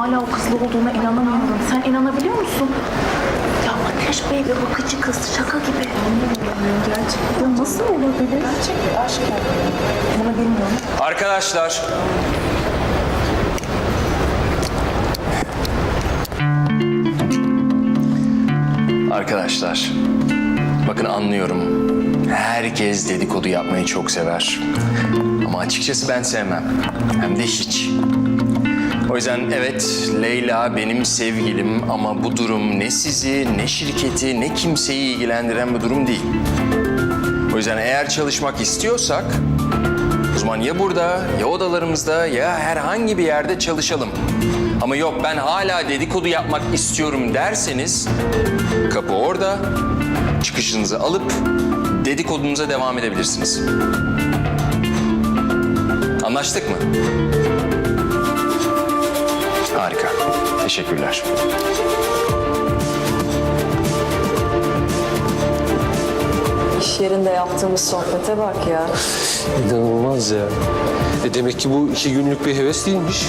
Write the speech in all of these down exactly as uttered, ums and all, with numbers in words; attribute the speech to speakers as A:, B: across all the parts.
A: hala o kızla olduğuna inanamıyorum. Sen inanabiliyor musun? Ya Ateş Bey ve bakıcı kız şaka gibi. Gerçekten. Ya nasıl olabilir? Gerçek bir aşk yani. Bunu bilmiyorum.
B: Arkadaşlar. Arkadaşlar. Bakın anlıyorum. Herkes dedikodu yapmayı çok sever. Ama açıkçası ben sevmem. Hem de hiç. O yüzden evet, Leyla benim sevgilim ama bu durum ne sizi, ne şirketi, ne kimseyi ilgilendiren bir durum değil. O yüzden eğer çalışmak istiyorsak, o zaman ya burada, ya odalarımızda, ya herhangi bir yerde çalışalım. Ama yok ben hala dedikodu yapmak istiyorum derseniz, kapı orada, çıkışınızı alıp dedikodunuza devam edebilirsiniz. Anlaştık mı? Harika. Teşekkürler.
C: İş yerinde yaptığımız sohbete bak ya.
D: İnanılmaz ya. E demek ki bu iki günlük bir heves değilmiş.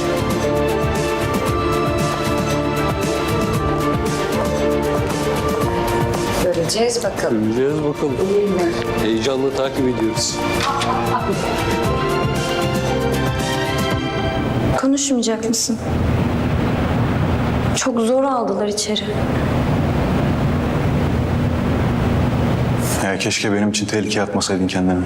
C: Göreceğiz bakalım.
D: Göreceğiz bakalım. Heyecanla takip ediyoruz.
E: Konuşmayacak mısın? Çok zor aldılar içeri.
F: Ya keşke benim için tehlikeye atmasaydın kendini.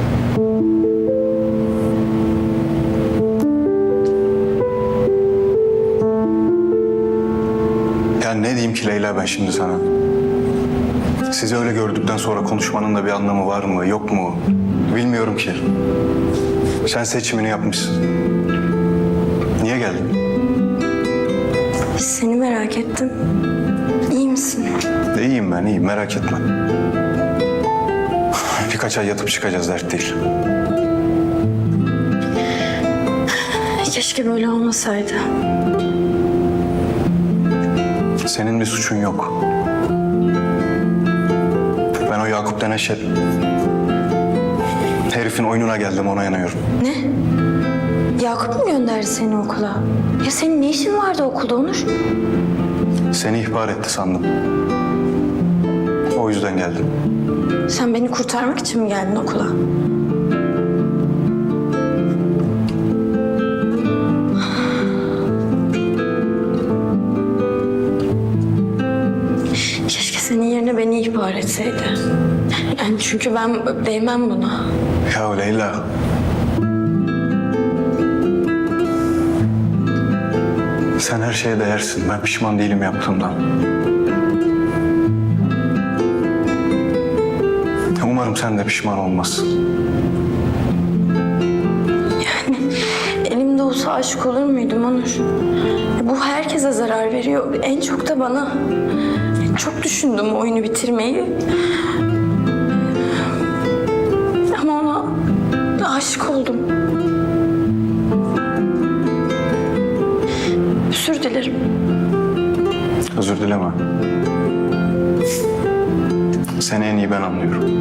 F: Ya ne diyeyim ki Leyla ben şimdi sana? Sizi öyle gördükten sonra konuşmanın da bir anlamı var mı, yok mu? Bilmiyorum ki. Sen seçimini yapmışsın. Niye geldin?
E: Seni merak ettim. İyi misin?
F: İyiyim ben, iyiyim. Merak etme. Birkaç ay yatıp çıkacağız, dert değil.
E: Keşke böyle olmasaydı.
F: Senin bir suçun yok. Ben o Yakup denen şey... herifin oyununa geldim, ona yanıyorum.
E: Ne? Yakup mu gönderdi seni okula? Ya senin ne işin vardı okulda Onur?
F: Seni ihbar etti sandım. O yüzden geldim.
E: Sen beni kurtarmak için mi geldin okula? Keşke senin yerine beni ihbar etseydi. Yani çünkü ben değmem buna.
F: Ya Leyla. Sen her şeye değersin. Ben pişman değilim yaptığımdan. Umarım sen de pişman olmazsın.
E: Yani elimde olsa aşık olur muydum Onur? Bu herkese zarar veriyor. En çok da bana. Çok düşündüm oyunu bitirmeyi. Ama ona aşık oldum. Özür dilerim.
F: Özür dileme. Seni en iyi ben anlıyorum.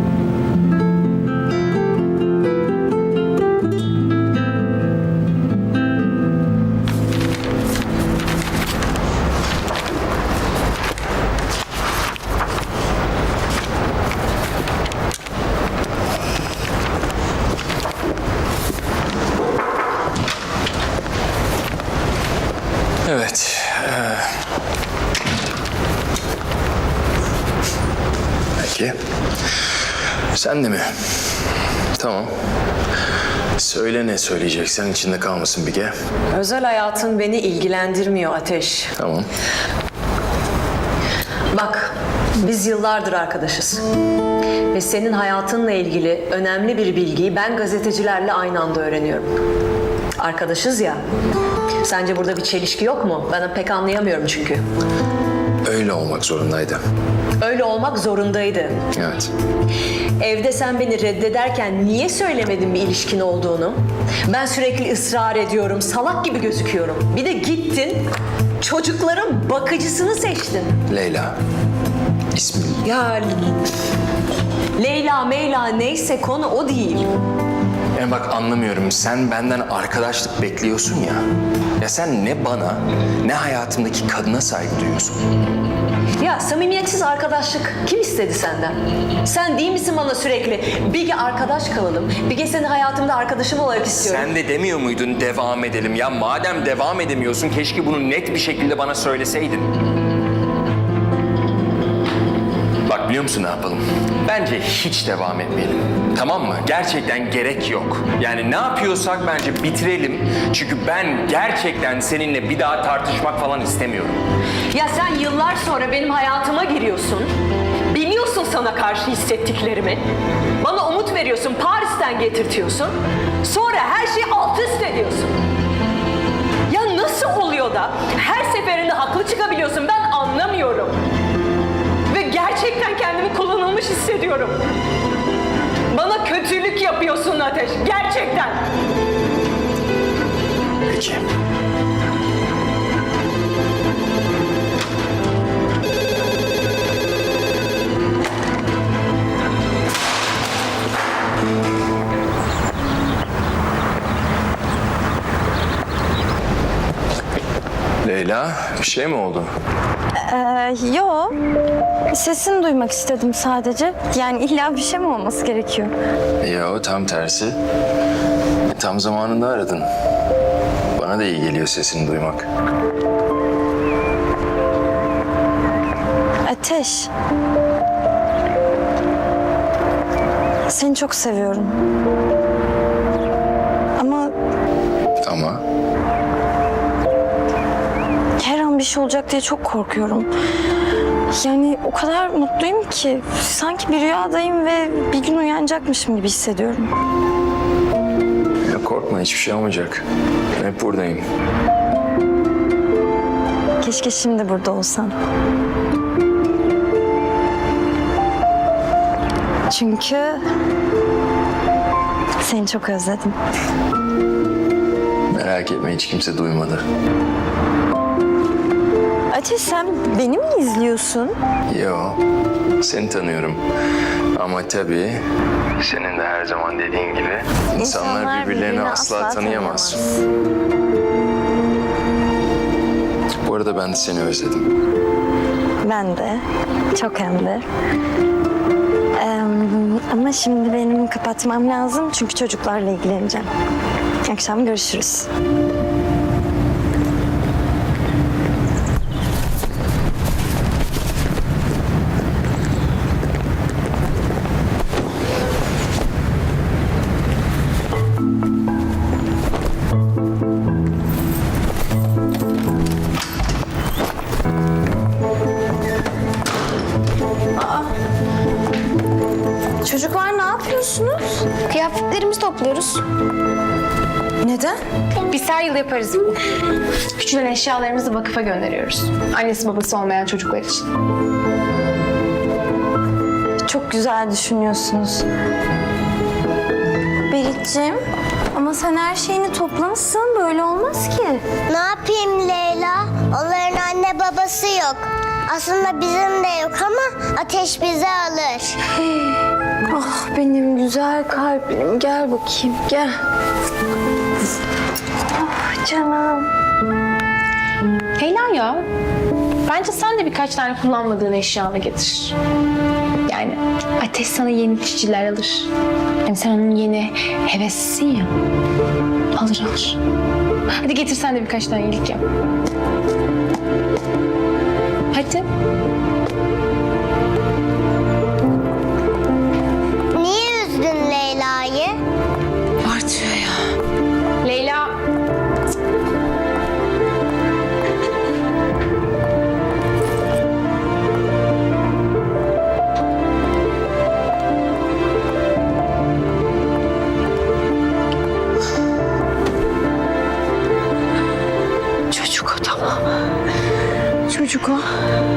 B: Evet. Ee... Peki. Sen de mi? Tamam. Söyle ne söyleyeceksen, içinde kalmasın Bige.
C: Özel hayatın beni ilgilendirmiyor Ateş.
B: Tamam.
C: Bak, biz yıllardır arkadaşız. Ve senin hayatınla ilgili önemli bir bilgiyi ben gazetecilerle aynı anda öğreniyorum. Arkadaşız ya. Sence burada bir çelişki yok mu? Ben pek anlayamıyorum çünkü.
B: Öyle olmak zorundaydı.
C: Öyle olmak zorundaydı.
B: Evet.
C: Evde sen beni reddederken niye söylemedin bir ilişkin olduğunu? Ben sürekli ısrar ediyorum, salak gibi gözüküyorum. Bir de gittin, çocukların bakıcısını seçtin.
B: Leyla. İsmin.
C: Ya Leyla, Meyla neyse konu o değil.
B: Yani bak anlamıyorum. Sen benden arkadaşlık bekliyorsun ya. Ya sen ne bana ne hayatımdaki kadına saygı duyuyorsun.
C: Ya samimiyetsiz arkadaşlık kim istedi senden? Sen değil misin bana sürekli Bilge arkadaş kalalım, Bilge seni hayatımda arkadaşım olarak istiyorum.
B: Sen de demiyor muydun devam edelim? Ya madem devam edemiyorsun keşke bunu net bir şekilde bana söyleseydin. Bak biliyor musun ne yapalım? Bence hiç devam etmeyelim. Tamam mı? Gerçekten gerek yok. Yani ne yapıyorsak bence bitirelim. Çünkü ben gerçekten seninle bir daha tartışmak falan istemiyorum.
C: Ya sen yıllar sonra benim hayatıma giriyorsun. Biliyorsun sana karşı hissettiklerimi. Bana umut veriyorsun, Paris'ten getirtiyorsun. Sonra her şeyi alt üst ediyorsun. Ya nasıl oluyor da her seferinde haklı çıkabiliyorsun? Ben anlamıyorum. Ve gerçekten kendimi kullanılmış hissediyorum. Bana kötülük yapıyorsun Ateş, gerçekten.
B: Peki. Leyla, bir şey mi oldu?
E: Ee, yo. Sesini duymak istedim sadece. Yani illa bir şey mi olması gerekiyor?
B: Yo, tam tersi. E, tam zamanında aradın. Bana da iyi geliyor sesini duymak.
E: Ateş. Seni çok seviyorum. Ama
B: Ama
E: her an bir şey olacak diye çok korkuyorum. Yani o kadar mutluyum ki sanki bir rüyadayım ve bir gün uyanacakmışım gibi hissediyorum.
B: ya korkma hiçbir şey olmayacak. Ben hep buradayım.
E: Keşke şimdi burada olsan. Çünkü seni çok özledim.
B: Merak etme hiç kimse duymadı.
E: Ateş sen beni mi izliyorsun?
B: Yo, seni tanıyorum. Ama tabii senin de her zaman dediğin gibi insanlar, birbirlerini asla, tanıyamaz. Bu arada ben de seni özledim.
E: Ben de. Çok hem de. Ee, ama şimdi benim kapatmam lazım çünkü çocuklarla ilgileneceğim. Akşam görüşürüz. Çocuklar ne yapıyorsunuz?
G: Kıyafetlerimizi topluyoruz.
E: Neden?
G: Biz her yıl yaparız. Küçülen eşyalarımızı vakıfa gönderiyoruz. Annesi babası olmayan çocuklar için.
E: Çok güzel düşünüyorsunuz. Berit'ciğim ama sen her şeyini toplamışsın. Böyle olmaz ki.
H: Ne yapayım Leyla? Onların anne babası yok. Aslında bizim de yok ama Ateş bizi alır.
E: Ah benim güzel kalbim. Gel bakayım gel. Ah canım.
G: Leyla ya, bence sen de birkaç tane kullanmadığın eşyanı getir. Yani Ateş sana yeni çiçekler alır. Yani sen onun yeni heveslisin ya. Alır alır. Hadi getir sen de birkaç tane iyilik yap. Hadi.
H: Niye üzdün Leyla'yı?
G: Artıyor ya. Leyla. Çocuk o tamam. Çocuk o.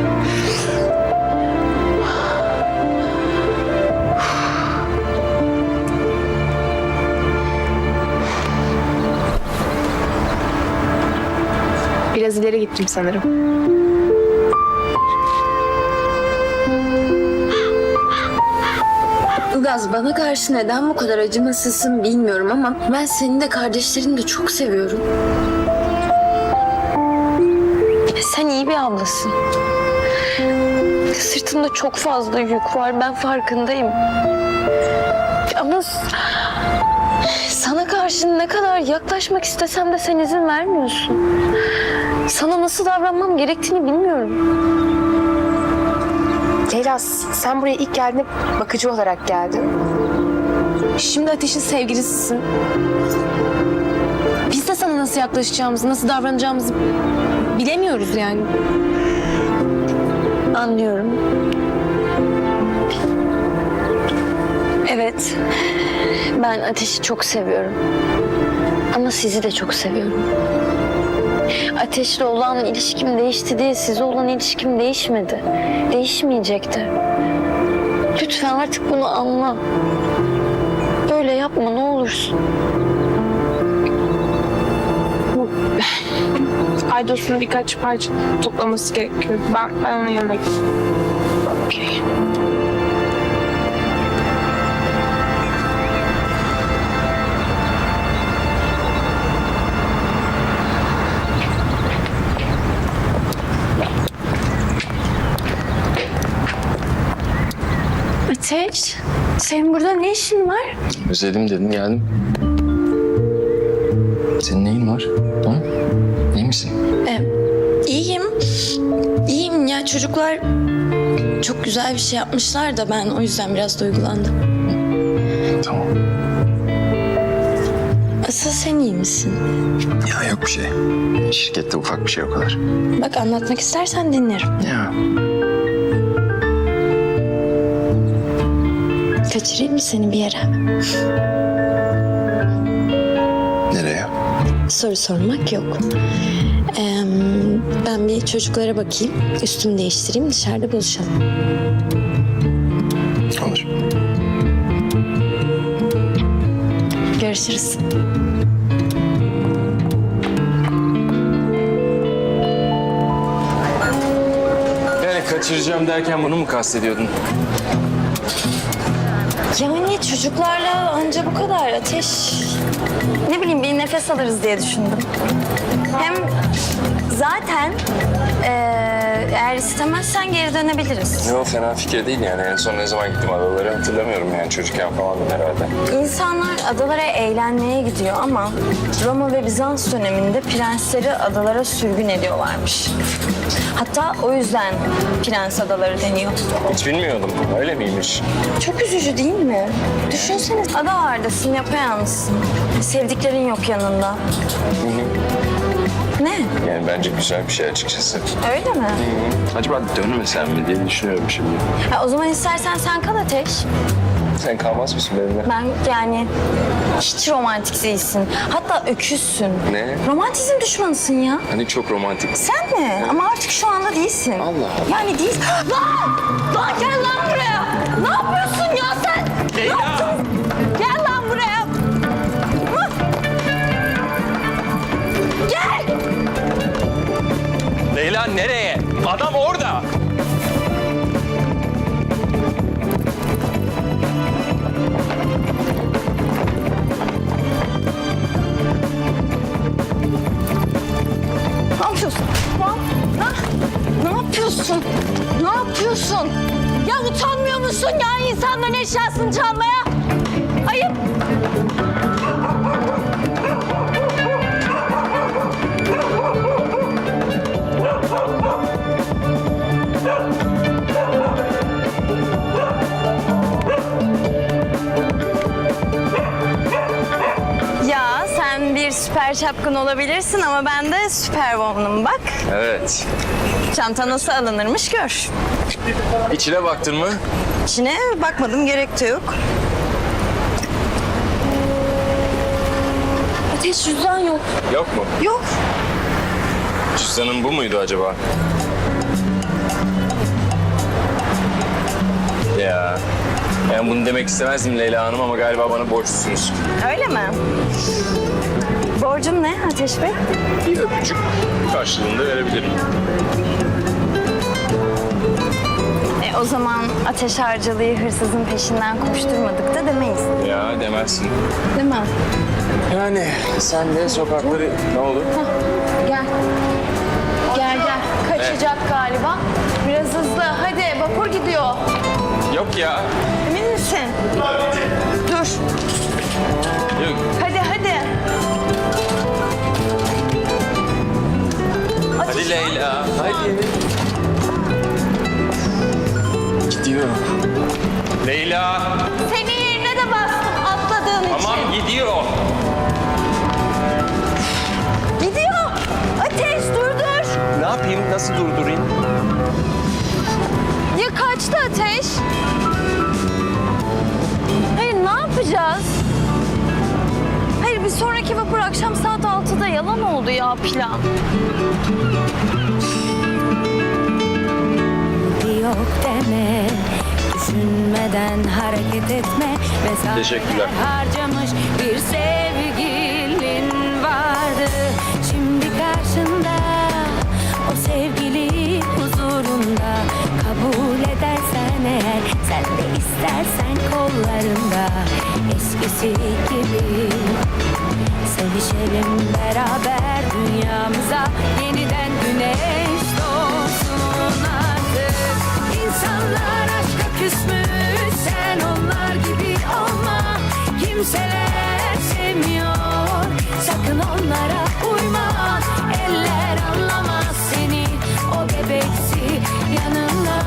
G: Biraz ileri gittim sanırım.
I: Ilgaz, bana karşı neden bu kadar acımasızsın bilmiyorum ama ben seni de kardeşlerini de çok seviyorum. Sen iyi bir ablasın. Sırtında çok fazla yük var, ben farkındayım. Ama sana karşı ne kadar yaklaşmak istesem de sen izin vermiyorsun. Sana nasıl davranmam gerektiğini bilmiyorum.
G: Leyla, sen buraya ilk geldiğinde bakıcı olarak geldin. Şimdi Ateş'in sevgilisisin. Biz de sana nasıl yaklaşacağımızı, nasıl davranacağımızı bilemiyoruz yani.
I: Anlıyorum. Evet, ben Ateş'i çok seviyorum. Ama sizi de çok seviyorum. Ateş'le olan ilişkim değişti diye size olan ilişkim değişmedi. Değişmeyecekti. Lütfen artık bunu anla. Böyle yapma ne olursun.
G: Aydos'un birkaç parça toplaması gerekiyor. Ben, ben onun yanına gideyim. Okey.
I: Ateş, senin burada ne işin var?
B: Özledim dedim geldim. Senin neyin var? Ha? İyi misin?
I: Ee, iyiyim. İyiyim ya, çocuklar çok güzel bir şey yapmışlar da ben o yüzden biraz duygulandım.
B: Tamam.
I: Asıl sen iyi misin?
B: Ya yok bir şey. Şirkette ufak bir şey o kadar.
I: Bak anlatmak istersen dinlerim.
B: Ya.
I: Kaçırayım mı seni bir yere?
B: Nereye?
I: Soru sormak yok. Ee, ben bir çocuklara bakayım, üstümü değiştireyim, dışarıda buluşalım.
B: Olur.
I: Görüşürüz.
B: Yani kaçıracağım derken bunu mu kastediyordun?
I: Yani çocuklarla anca bu kadar Ateş. Ne bileyim bir nefes alırız diye düşündüm. Hem zaten eee, eğer istemezsen geri dönebiliriz.
B: Yok fena fikir değil yani. En son ne zaman gittim adaları hatırlamıyorum yani. Çocukken falandım herhalde.
I: İnsanlar adalara eğlenmeye gidiyor ama Roma ve Bizans döneminde prensleri adalara sürgün ediyorlarmış. Hatta o yüzden Prens Adaları deniyor.
B: Hiç bilmiyordum. Öyle miymiş?
I: Çok üzücü değil mi? Düşünsene adalardasın, yapayalnızsın. Sevdiklerin yok yanında. Ne?
B: Yani bence güzel bir şey açıkçası.
I: Öyle mi?
B: Acaba dönmesem mi diye düşünüyorum şimdi.
I: Ha, o zaman istersen sen kal Ateş.
B: Sen kalmaz mısın benimle?
I: Ben yani hiç romantik değilsin. Hatta öküzsün.
B: Ne?
I: Romantizm düşmanısın ya.
B: Hani çok romantik.
I: Sen mi? Ama artık şu anda değilsin.
B: Allah Allah.
I: Yani değil. Lan! Lan gel lan buraya! Ne yapıyorsun ya sen? Ne yaptın? Gel lan buraya! Hı? Gel!
B: Leyla nereye? Adam orada.
I: Ne yapıyorsun? Lan, ha? Ne yapıyorsun? Ne yapıyorsun? Ya utanmıyor musun ya insanların eşyasını çalmaya? Ayıp. Ya sen bir süper çapkın olabilirsin ama ben de süper woman'ım bak.
B: Evet.
I: Çanta nasıl alınırmış gör.
B: İçine baktın mı?
I: İçine bakmadım, gerek de yok. Ateş cüzdan yok.
B: Yok mu?
I: Yok.
B: Cüzdanın bu muydu acaba? Ya. Yani bunu demek istemezdim Leyla Hanım ama galiba bana borçlusunuz.
I: Öyle mi? Borcum ne Ateş Bey?
B: Bir öpücük karşılığında verebilirim.
E: E, o zaman Ateş Harcalı'yı hırsızın peşinden koşturmadık da demeyiz.
B: Ya demezsin.
E: Değil mi?
B: Yani sen de sokakları ne olur?
G: Gel. Gel gel. Kaçacak galiba. Biraz hızlı. Hadi vapur gidiyor.
B: Yok ya.
E: Emin misin?
G: Dur.
B: Yok.
G: Hadi hadi.
B: Hadi Leyla. Hadi. Gidiyor. Leyla.
G: Senin yerine de bastım atladığın için.
B: Tamam gidiyor.
G: Gidiyor. Ateş durdur.
B: Ne yapayım? Nasıl durdurayım?
G: Ya kaçtı Ateş? Hayır ne yapacağız? Hayır bir sonraki vapur akşam saat altıda yalan oldu ya plan.
J: Yok deme, düşünmeden hareket etme.
B: Teşekkürler.
J: Harcamış bir sevgilin vardı. Şimdi karşında o sevgili huzurunda. Kabul edersen eğer, sen de istersen kollarında. Eskisi gibi sevişelim beraber, dünyamıza yeniden güneş doğsun artık. İnsanlar aşka küsmüş, sen onlar gibi olma. Kimseler sevmiyor, sakın onlara uyma. Eller anlamaz seni, o bebeksi yanında.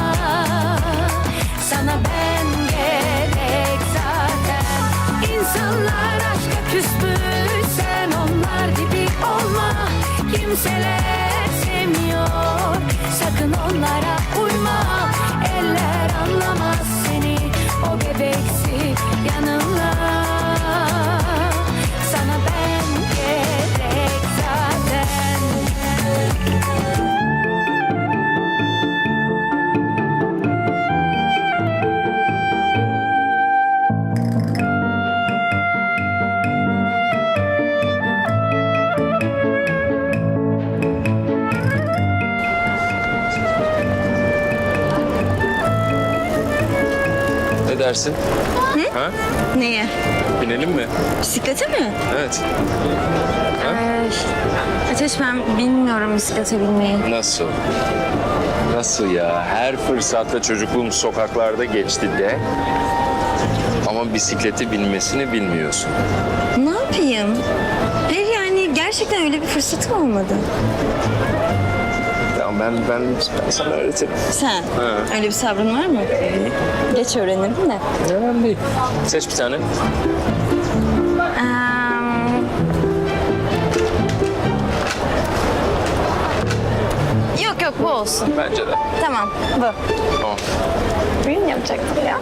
J: Sana ben gerek zaten. İnsanlar aşka küsmüş, sen onlar gibi olma. Kimseler sevmiyor, sakın onlara uyma. Eller anlamaz seni, o bebeksi yanımda. Sana ben gerek zaten.
B: Ne dersin? Ha?
E: Neye?
B: Binelim mi?
E: Bisiklete mi?
B: Evet.
E: Ateş ben bilmiyorum bisiklete binmeyi.
B: Nasıl? Nasıl ya? Her fırsatta çocukluğum sokaklarda geçti de. Ama bisiklete binmesini bilmiyorsun.
E: Ne yapayım? Hayır yani gerçekten öyle bir fırsatım olmadı.
B: Ya ben, ben, ben sana öğretirim.
E: Sen? Öyle bir sabrın var mı? Geç öğrenirim de.
B: Önemli değil. Seç bir tane.
E: Ee, yok yok bu olsun.
B: Bence de.
E: Tamam bu.
B: Tamam.
E: Benim yapacaktım ya.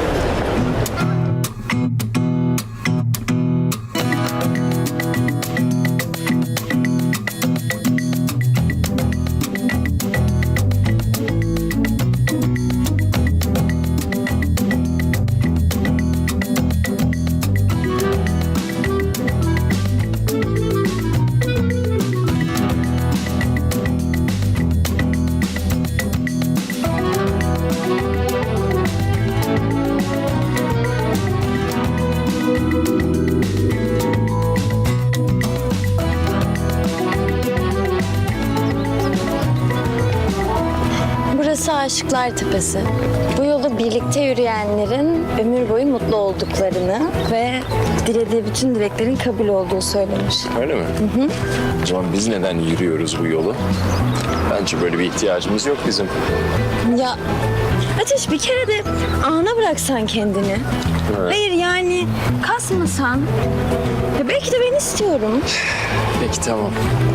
K: Burası Aşıklar Tepesi. Bu yolu birlikte yürüyenlerin ömür boyu mutlu olduklarını ve dilediği bütün dileklerin kabul olduğu söylenir.
B: Öyle mi? Hı hı. O zaman biz neden yürüyoruz bu yolu? Bence böyle bir ihtiyacımız yok bizim.
E: Ya Ateş bir kere de ana bıraksan kendini.
B: Evet.
E: Hayır yani kasmasan. Ya belki de ben istiyorum.
B: Peki tamam.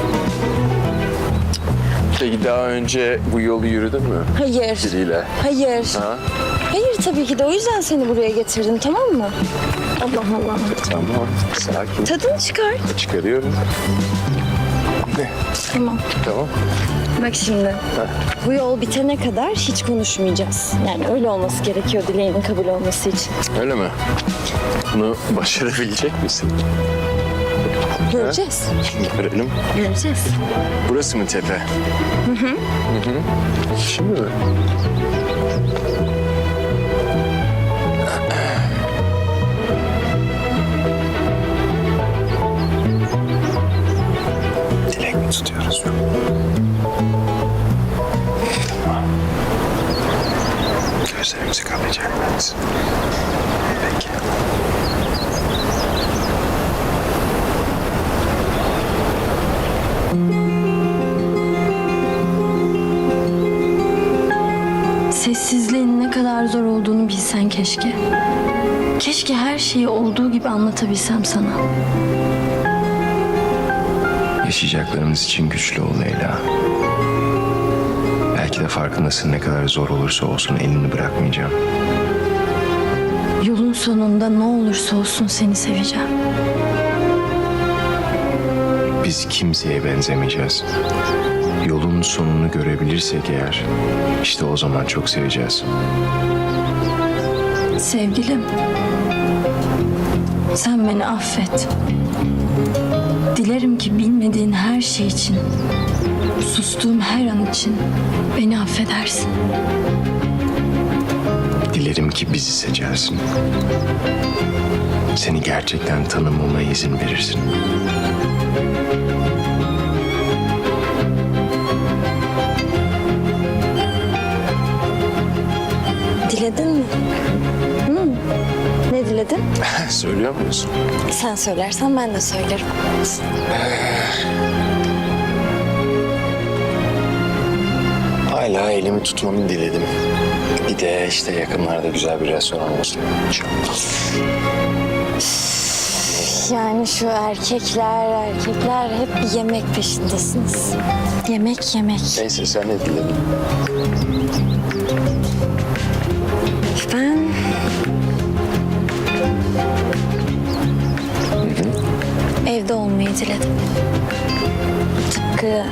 B: Peki daha önce bu yolu yürüdün mü?
E: Hayır.
B: Biriyle.
E: Hayır.
B: Ha?
E: Hayır tabii ki de o yüzden seni buraya getirdim tamam mı? Allah Allah.
B: Tamam. Sakin.
E: Tadını çıkar.
B: Çıkarıyorum. Ne?
E: Tamam.
B: Tamam.
E: Bak şimdi. Bu yol bitene kadar hiç konuşmayacağız. Yani öyle olması gerekiyor dileğinin kabul olması için.
B: Öyle mi? Bunu başarabilecek misin?
K: Göreceğiz.
B: Görelim.
K: Göreceğiz.
B: Burası mı tepe? Hı hı. Hı hı. Şimdi mi? Dilek mi tutuyoruz? Gözlerimizi kapayacak mıyız? Peki.
K: Sessizliğin ne kadar zor olduğunu bilsen keşke. Keşke her şeyi olduğu gibi anlatabilsem sana.
B: Yaşayacaklarımız için güçlü ol Leyla. Belki de farkındasın, ne kadar zor olursa olsun elini bırakmayacağım.
K: Yolun sonunda ne olursa olsun seni seveceğim.
B: Biz kimseye benzemeyeceğiz. Yolun sonunu görebilirsek eğer, işte o zaman çok seveceğiz.
K: Sevgilim, sen beni affet. Dilerim ki bilmediğin her şey için, sustuğum her an için beni affedersin.
B: Dilerim ki bizi seçersin. Seni gerçekten tanımama izin verirsin.
K: Diledin mi? Hı. Ne diledin?
B: Söylüyor musun?
K: Sen söylersen ben de söylerim.
B: Hala elimi tutmanı diledim. Bir de işte yakınlarda güzel bir restoran olsun.
K: Yani şu erkekler, erkekler hep bir yemek peşindesiniz. Yemek, yemek.
B: Neyse, sen ne diledin?
K: Ben... Evde olmayı diledim. Tıpkı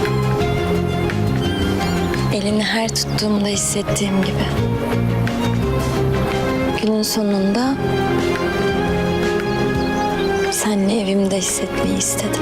K: elini her tuttuğumda hissettiğim gibi. Günün sonunda seninle evimde hissetmeyi istedim.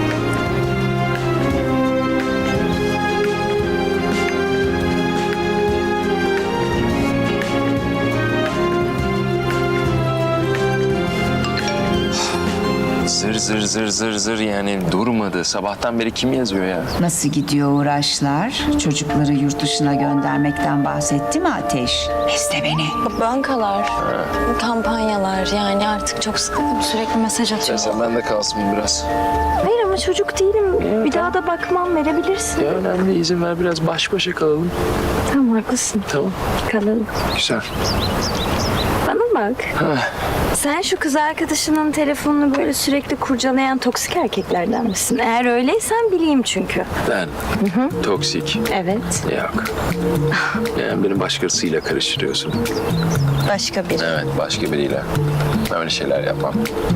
B: Zır zır zır zır zır yani durmadı. Sabahtan beri kim yazıyor ya?
L: Nasıl gidiyor uğraşlar? Çocukları yurt dışına göndermekten bahsetti mi Ateş? İste beni.
K: Bankalar, kampanyalar yani artık çok sıkıldım. Sürekli mesaj atıyor.
B: Sen bende kalsın biraz.
K: Hayır ama çocuk değilim. Bir daha da bakmam, verebilirsin.
B: Ya önemli, izin ver biraz baş başa kalalım.
K: Tamam haklısın.
B: Tamam.
K: Kalalım.
B: Güzel.
K: Bana bak. Sen şu kız arkadaşının telefonunu böyle sürekli kurcalayan toksik erkeklerden misin? Eğer öyleysen bileyim çünkü.
B: Ben toksik.
K: Evet.
B: Yok. Yani beni başkasıyla karıştırıyorsun.
K: Başka biri.
B: Evet, başka biriyle. Ben öyle şeyler yapmam.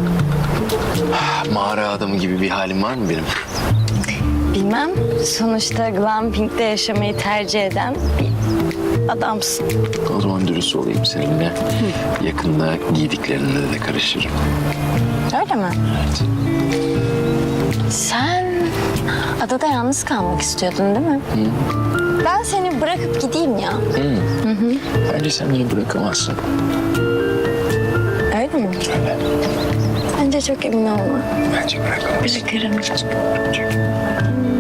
B: Mağara adamı gibi bir halim var mı benim?
K: Bilmem. Sonuçta glamping'de yaşamayı tercih eden bir adamsın.
B: O zaman dürüst olayım seninle. Yakında giydiklerine de karışırım.
K: Öyle mi?
B: Evet.
K: Sen adada yalnız kalmak istiyordun değil mi?
B: Hı.
K: Ben seni bırakıp gideyim ya.
B: Hı. Hı hı. Bence sen beni bırakamazsın.
K: Öyle mi?
B: Öyle.
K: Bence çok emin olma.
B: Bence bırakamazsın.
K: Bırakırım.
B: Bırakacak.